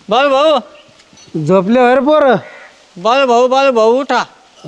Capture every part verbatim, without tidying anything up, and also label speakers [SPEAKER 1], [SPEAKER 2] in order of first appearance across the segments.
[SPEAKER 1] बाळ भाऊ
[SPEAKER 2] झोपले वर पोर
[SPEAKER 1] बाळ भाऊ बाळ भाऊ उठा.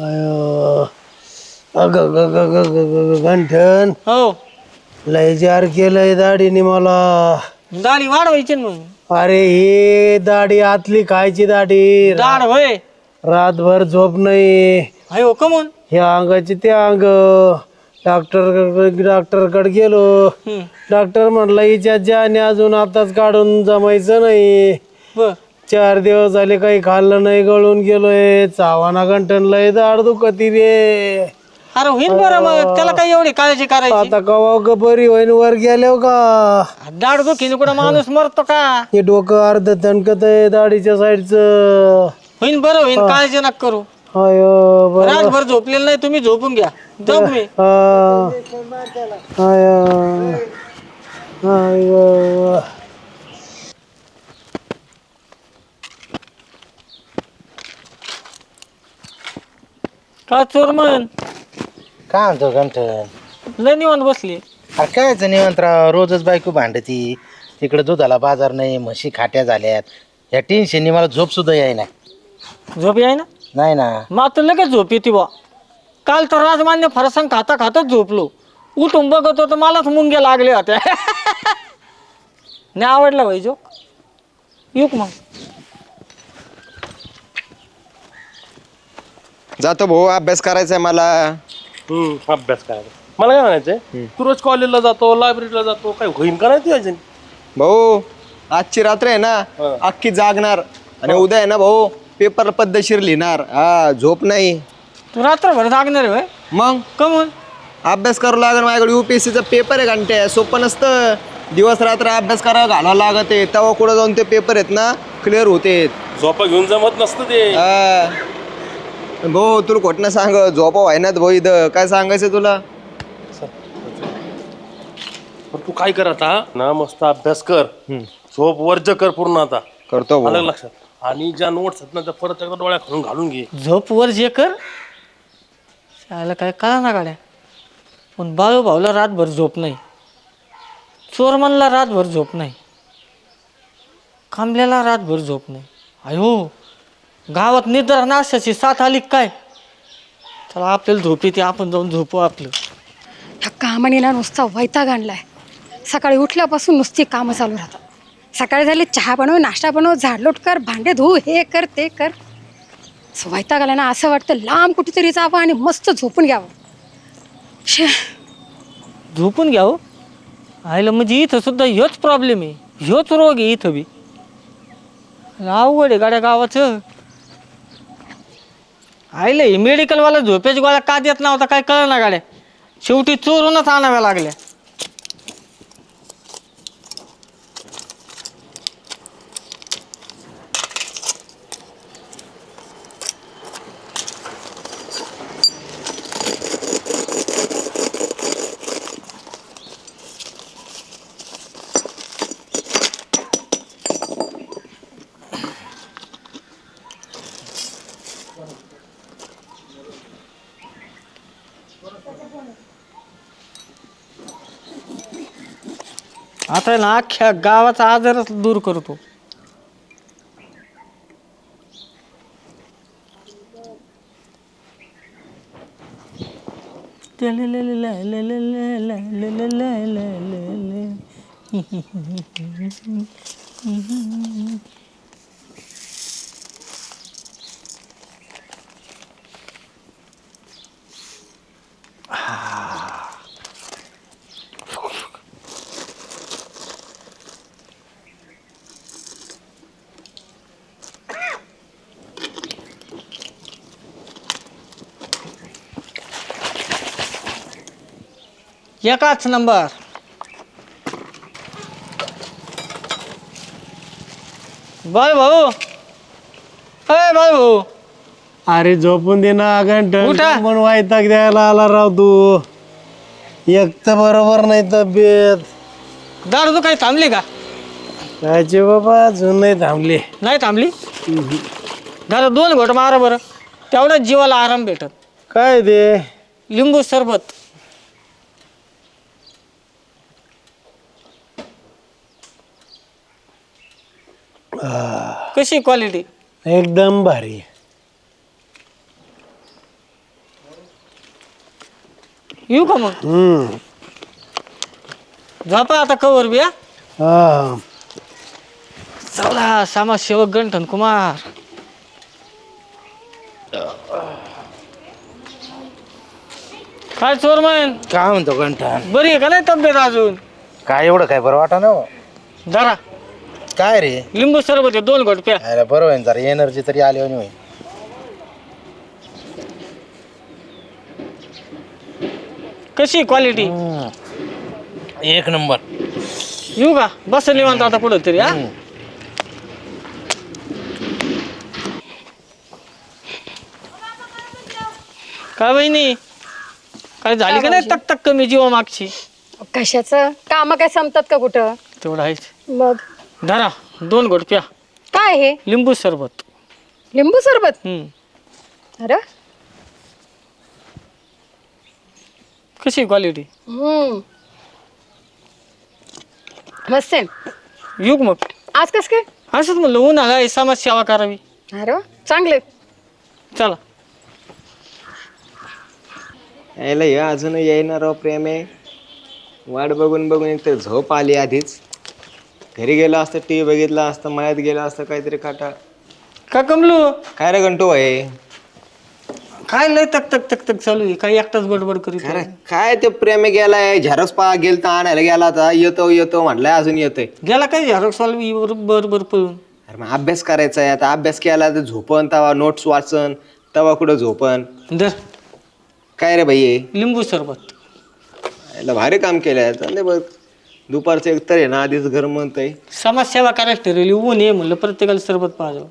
[SPEAKER 2] अग गंठन
[SPEAKER 1] हो
[SPEAKER 2] लय जार केलंय दाढीने मला.
[SPEAKER 1] दाढी वाढवायची ना मग.
[SPEAKER 2] अरे ही दाढी आतली खायची दाढी.
[SPEAKER 1] दाढ होय.
[SPEAKER 2] रातभर झोप नाही.
[SPEAKER 1] अयो कमून
[SPEAKER 2] ह्या अंगाची ते अंग. डॉक्टर डॉक्टरकडे गेलो. डॉक्टर म्हणला हिच्या ज्याने अजून आताच काढून जमायचं नाही.
[SPEAKER 1] बर
[SPEAKER 2] चार दिवस झाले काही खाल्लं नाही, गळून गेलोय. चावाना गंठन लय दाढ दुखती रे.
[SPEAKER 1] अरे होईल बरं मग, त्याला काही एवढी काळजी करायची.
[SPEAKER 2] आता कवा ग बरी होईन वर गेल्यावर का.
[SPEAKER 1] दाढ दुखीने कुठं माणूस मरतो का.
[SPEAKER 2] हे डोकं अर्ध तणकत आहे दाढीच्या साईडचं.
[SPEAKER 1] होईन बरं होईन, काळजी नका करू.
[SPEAKER 2] अयो बरं.
[SPEAKER 1] रातभर झोपलेलं नाही तुम्ही, झोपून घ्या. जाऊ मी.
[SPEAKER 2] हा. अयो. अयो.
[SPEAKER 1] का चोर म्हण
[SPEAKER 3] काय म्हणतो गंठन?
[SPEAKER 1] लय निवांत बसली.
[SPEAKER 3] अरे कायच निवंतराव, रोजच बायको भांडती. तिकडे दुधाला बाजार नाही, म्हशी खाट्या झाल्यात. या टेन्शननी मला झोप सुद्धा यायना.
[SPEAKER 1] झोप याय ना.
[SPEAKER 3] नाही ना.
[SPEAKER 1] मग आता लगेच झोप येते बा. काल तर राजमान्य फरसाण खाता खातच झोपलो. उठून बघत होतो मलाच मुंग्या लागल्या होत्या. नाही आवडला भाई जोक. येऊ का मग.
[SPEAKER 4] जातो भाऊ, अभ्यास करायचा आहे मला.
[SPEAKER 5] हम्म अभ्यास करायचा. मला काय म्हणायचंय, तू रोज कॉलेजला जातो, लायब्ररीला जातो, काय होईन का नाही तुझ्या?
[SPEAKER 4] भाऊ आजची रात्र आहे ना, अख्खी जागणार. आणि उद्या आहे ना भाऊ, पेपर पद्धतशीर लिहिणार. हा झोप नाही.
[SPEAKER 1] तू रात्रभर जागणार आहे.
[SPEAKER 4] मग
[SPEAKER 1] कमून
[SPEAKER 4] अभ्यास करावं लागेल. माझ्याकडे युपीएससीचा पेपर आहे घंटे. सोपं नसतं. दिवस रात्र अभ्यास करावा घालावं लागत आहे. तेव्हा कुठं जाऊन ते पेपर आहेत ना क्लिअर होते.
[SPEAKER 5] झोपा घेऊन जमत नसतं ते.
[SPEAKER 4] भाऊ तुला खोटं सांग, झोपा व्हायनात भाऊ. इथं काय सांगायचं तुला.
[SPEAKER 5] पण तू काय कर आता ना, मस्त अभ्यास कर, झोप वर्ज कर पूर्ण. आता
[SPEAKER 4] करतो भाऊ.
[SPEAKER 5] आलं लक्षात. आणि ज्या नोट्स आहेत ना, त्या परत एकदा डोळ्या खालून घालून घे.
[SPEAKER 1] झोप वर जे कर. शाळेला काय कळा ना गाड्या. पण बाळू भाऊला रातभर झोप नाही. चोरमनला रातभर झोप नाही. खांबल्याला रातभर झोप नाही. अयो गावात निद्रा नाशाची साथ आली काय. चला आपल्याला झोप येते, आपण जाऊन झोपू आपलं.
[SPEAKER 6] ह्या कामाने ना नुसता वैताग आणलाय. सकाळी उठल्यापासून नुसती कामं चालू राहतात. सकाळी झाली चहा बनव, नाश्ता बनव, झाडलोट कर, भांडे धुऊ, हे कर ते कर. वैताग आला ना, असं वाटतं लांब कुठेतरी जावं आणि मस्त झोपून घ्यावं. शे
[SPEAKER 1] झोपून घ्या हो. आयला म्हणजे इथं सुद्धा ह्योच प्रॉब्लेम आहे. ह्योच रोग आहे इथं बी. अवघड आहे गाड्या गावाचं. आयलं हे मेडिकलवाला झोपेच्या गोळ्या का देत नव्हता काय कळ ना गाड्या. शेवटी चोरूनच आणाव्या लागल्या. आता ना अख्ख्या गावाचा आजारच दूर करतो. एकाच नंबर. बाय भाऊ, अय बाय भाऊ.
[SPEAKER 2] अरे झोपून दे ना गंठन.
[SPEAKER 1] उठा.
[SPEAKER 2] पण वैताग द्यायला आला राव तू. एक तर बरोबर नाही तब्येत.
[SPEAKER 1] दारू तू काही थांबली का.
[SPEAKER 2] कायचे बाबा अजून नाही थांबले.
[SPEAKER 1] नाही थांबली. दादा दोन घोट मारा बरं, तेवढ्याच जीवाला आराम भेटत.
[SPEAKER 2] काय ते
[SPEAKER 1] लिंबू सरबत. कशी क्वालिटी?
[SPEAKER 2] एकदम भारी.
[SPEAKER 1] येऊ का मग?
[SPEAKER 2] हम्म.
[SPEAKER 1] झोपा आता कवर बी. हा?
[SPEAKER 2] हा.
[SPEAKER 1] चला समाजसेवक गंठन कुमार. काय चोरमन,
[SPEAKER 3] काय म्हणतो गंठन?
[SPEAKER 1] बरी आहे का नाही तब्येत अजून?
[SPEAKER 3] काय एवढं काय बरं वाटा ना.
[SPEAKER 1] जरा
[SPEAKER 3] काय रे?
[SPEAKER 1] लिंबू सरबत आहे, दोन घोट प्या.
[SPEAKER 3] अरे बरं होईन, जरा एनर्जी तरी आली होईल.
[SPEAKER 1] कशी क्वालिटी?
[SPEAKER 3] एक नंबर.
[SPEAKER 1] येऊ का? बस निवांत आता कुठं तरी. हा, काय बहिणी, काय झाली का नाही तक तक कमी जीवा मागची?
[SPEAKER 6] कशाचं काम काय संपतात का कुठं?
[SPEAKER 1] तेवढं आहेच.
[SPEAKER 6] मग
[SPEAKER 1] धरा दोन घोट प्या.
[SPEAKER 6] काय हे?
[SPEAKER 1] लिंबू सरबत.
[SPEAKER 6] लिंबू सरबत?
[SPEAKER 1] हम्म.
[SPEAKER 6] अरे
[SPEAKER 1] कशी क्वालिटी?
[SPEAKER 6] हम्म मस्त आहे.
[SPEAKER 1] येऊ का मग?
[SPEAKER 6] आज कस काय?
[SPEAKER 1] असंच म्हणलं उन्हाळा आहे, समाज सेवा करावी.
[SPEAKER 6] अरे वा, चांगले.
[SPEAKER 1] चला.
[SPEAKER 4] यायला हे अजून येणार प्रेम आहे. वाट बघून बघून एक तर झोप आली आधीच. घरी गेला असतं, टी व्ही बघितला असतं, मळ्यात गेला असतं काहीतरी काटा.
[SPEAKER 1] का कमलू?
[SPEAKER 4] काय रे घंटू आहे?
[SPEAKER 1] काय लय तक तक तक तक चालू आहे, काही एकटाच बडबड करीत
[SPEAKER 4] अरे
[SPEAKER 1] आहे.
[SPEAKER 4] काय ते प्रेम गेलाय, झेरॉक्स पा गेलता आणायला गेला होता, येतो येतो म्हटलाय, अजून येतोय.
[SPEAKER 1] गेला काय झेरॉक्स वाला बर बर पळून.
[SPEAKER 4] अरे मग अभ्यास करायचा आहे आता. अभ्यास केला तर झोपन, तवा नोट्स वाचन, तवा कुठं झोपन.
[SPEAKER 1] धर
[SPEAKER 4] काय रे भाई?
[SPEAKER 1] लिंबू सरबत.
[SPEAKER 4] याला भारी काम केलंय आता. नाही बघ दुपारचं एक तर आहे ना, आधीच घर म्हणतंय.
[SPEAKER 1] समाज सेवा करायला ठरवली, ऊन आहे म्हणलं प्रत्येकाला सरबत पाहावं.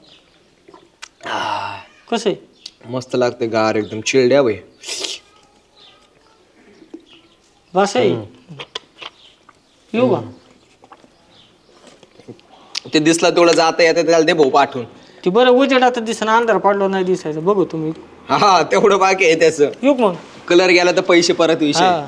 [SPEAKER 1] कसं आहे?
[SPEAKER 4] मस्त लागते गार, एकदम चिल्ड आहे भाई.
[SPEAKER 1] बस आहे. येऊ का?
[SPEAKER 4] ते दिसला तेवढं जाता येतं त्याला दे भाऊ पाठवून.
[SPEAKER 1] ती बरं उजेड आता दिसणं, अंधार पडलो नाही दिसायचं. बघू तुम्ही.
[SPEAKER 4] हा तेवढं बाकी आहे त्याचं.
[SPEAKER 1] येऊ का मग?
[SPEAKER 4] कलर गेला तर पैसे परत विषय.
[SPEAKER 1] हा.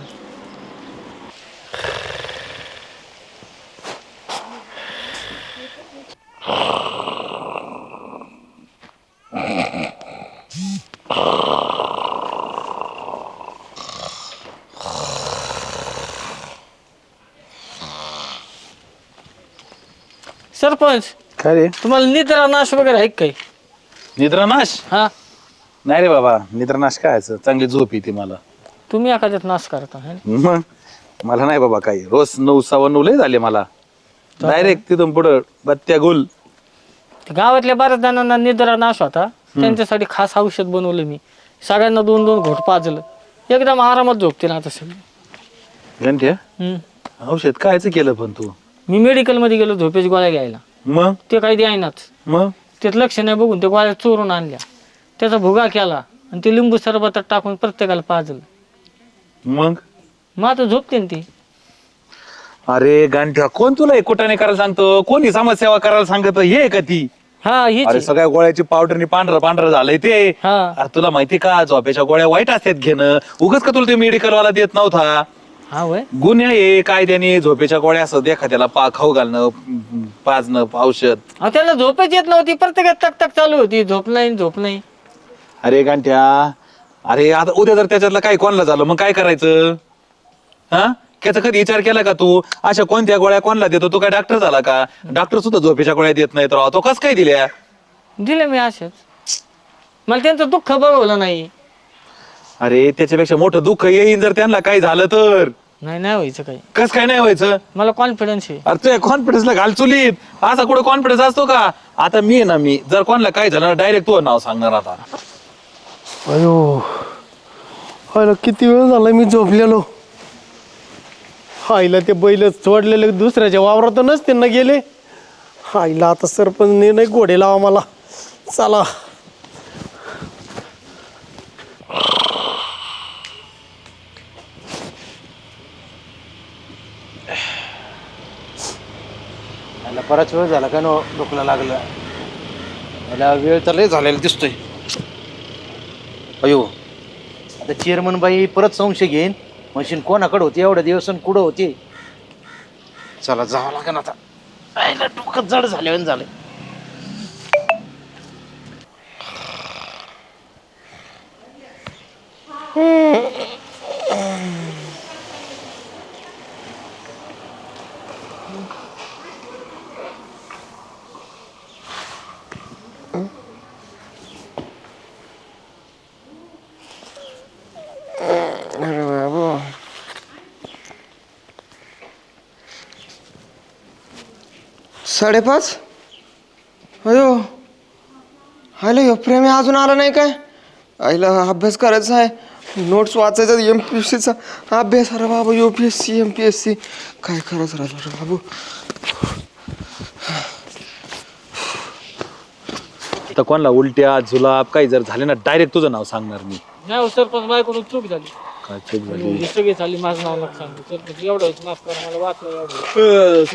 [SPEAKER 1] सरपंच,
[SPEAKER 7] काय रे?
[SPEAKER 1] तुम्हाला निद्रा नाश वगैरे आहे का काही?
[SPEAKER 7] निद्रानाश?
[SPEAKER 1] हा,
[SPEAKER 7] नाही रे बाबा, निद्रानाश काय चांगली झोप येते मला.
[SPEAKER 1] तुम्ही एखाद्यात नाश करता है ना?
[SPEAKER 7] मग मला नाही बाबा काही. रोज नऊ सव्वा नऊ लय झाले मला. डायरेक्ट तिथून पुढं बत्त्या गुल.
[SPEAKER 1] गावातल्या बऱ्याच जणांना निद्रा नाश होता, त्यांच्यासाठी खास औषध बनवलं मी. सगळ्यांना दोन दोन घोट पाजलं, एकदम आरामात झोपतील आता सगळे.
[SPEAKER 7] घंट्या
[SPEAKER 1] हम्म.
[SPEAKER 7] औषध कायच केलं पण तू?
[SPEAKER 1] मी मेडिकल मध्ये गेलो झोपेची गोळ्या घ्यायला,
[SPEAKER 7] मग
[SPEAKER 1] ते काही द्यायनाच.
[SPEAKER 7] मग
[SPEAKER 1] त्यात लक्ष नाही बघून ते गोळ्या चोरून आणल्या, त्याचा भुगा केला आणि ते लिंबू सरबतात टाकून प्रत्येकाला पाजलं.
[SPEAKER 7] मग
[SPEAKER 1] मग आता झोपते ना ती.
[SPEAKER 7] अरे गांठ्या, कोण तुला कुठाने करायला सांगतो? कोणी समाजसेवा करायला सांगत? हे का ती?
[SPEAKER 1] हा हीच
[SPEAKER 7] अरे
[SPEAKER 1] आहे.
[SPEAKER 7] सगळ्या गोळ्याची पावडरनी पांढरं पांढरं झालंय ते.
[SPEAKER 1] हा.
[SPEAKER 7] अरे तुला माहिती का, झोपेच्या गोळ्या वाईट असतात घेणं. उगाच का तुला ते मेडिकल वाला देत नव्हता?
[SPEAKER 1] हा वय.
[SPEAKER 7] गुन्हे आहे कायद्याने झोपेच्या गोळ्या असं देखा त्याला पा खाऊ घालणं, पाजणं औषध.
[SPEAKER 1] अहो, त्याला झोपच येत नव्हती, प्रत्येकात तक तक चालू होती, झोप नाही झोप नाही.
[SPEAKER 7] अरे गांठ्या, अरे आता उद्या जर त्याच्यातलं काय कोणाला झालं मग काय करायचं? हा, त्याचा कधी विचार केला का तू? अशा कोणत्या गोळ्या कोणाला देतो? तू काय डॉक्टर झाला का? डॉक्टर सुद्धा झोपेच्या गोळ्या देत नाही, तर तो कस काय दिल्या?
[SPEAKER 1] दिले मी असेच, मला त्यांचं दुःख बघवलं नाही.
[SPEAKER 7] अरे त्याच्यापेक्षा मोठं दुःख येईन जर त्यांना काय झालं तर.
[SPEAKER 1] नाही नाही व्हायचं काही,
[SPEAKER 7] कस काय नाही व्हायचं?
[SPEAKER 1] मला कॉन्फिडन्स आहे.
[SPEAKER 7] अरे तुझ्या कॉन्फिडन्सला घाल चुलीत. असा कुठं कॉन्फिडन्स असतो का? आता मी आहे ना, मी जर कोणाला काय झालं डायरेक्ट तुझं नाव सांगणार आता.
[SPEAKER 2] अयो, अरे किती वेळ झाला मी झोपलेलो. आईला ते बैल सोडलेले दुसऱ्याच्या वावरातूनच त्यांना गेले. आईला आता सरपंचने नाही घोडे लावा मला. चला.
[SPEAKER 3] मला बराच वेळ झाला का नो डोकला लागलं. मला वेळ तर लय झालेला दिसतोय. अयो, आता चेअरमन बाई परत संशय घेईन. मशीन कोणाकडे होती एवढ्या दिवस आणि कुठं होती? चला जावं लागेल आता. आईला डोकं जड झाल्यावर झालं.
[SPEAKER 4] अरे बाबू साडेपाच अयो आलं ह्यो प्रेमी अजून आला नाही काय आईला अभ्यास करायचा आहे नोट्स वाचायचा एम पी एस सीचा अभ्यास अरे बाबा U P S C M P S C काय करायचं राहिलं रे बाबू
[SPEAKER 7] तर कोणाला उलट्या जुलाब काही जर झाले ना डायरेक्ट तुझं नाव सांगणार मी.
[SPEAKER 1] नाही सरपंच बायकडून चूक झाली
[SPEAKER 7] काय चूक झाली
[SPEAKER 1] ही सगळी झाली माझं नाव नका सांगू सरपंच एवढं माफ करा मला वाचलं एवढं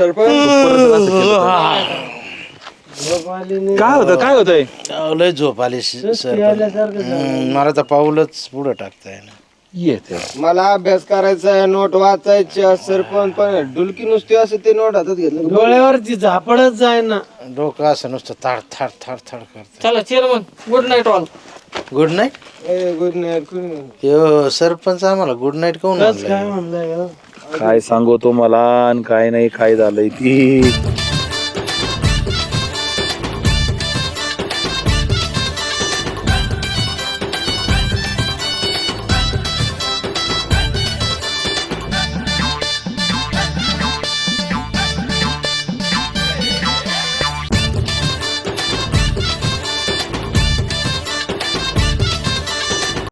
[SPEAKER 7] काय होतं काय होतंय
[SPEAKER 3] अहो, लय झोप आली सर मला तर पाऊलच पुढं टाकताय ना
[SPEAKER 7] येते
[SPEAKER 4] मला अभ्यास करायचा आहे नोट वाचायची सरपंच पण डुलकी नुसती असं ते नोट हातात घेतलं
[SPEAKER 2] डोळ्यावरची झापडच जाय ना.
[SPEAKER 3] डोकं असं नुसतं थाड थाड थाड थाड करत.
[SPEAKER 1] चला chairman good night all
[SPEAKER 3] good night.
[SPEAKER 4] Good night
[SPEAKER 3] यो सरपंच आम्हाला गुड नाईट कोण
[SPEAKER 2] काय म्हणलंय
[SPEAKER 7] काय सांगू तुम्हाला आणि काय नाही काय झालंय ती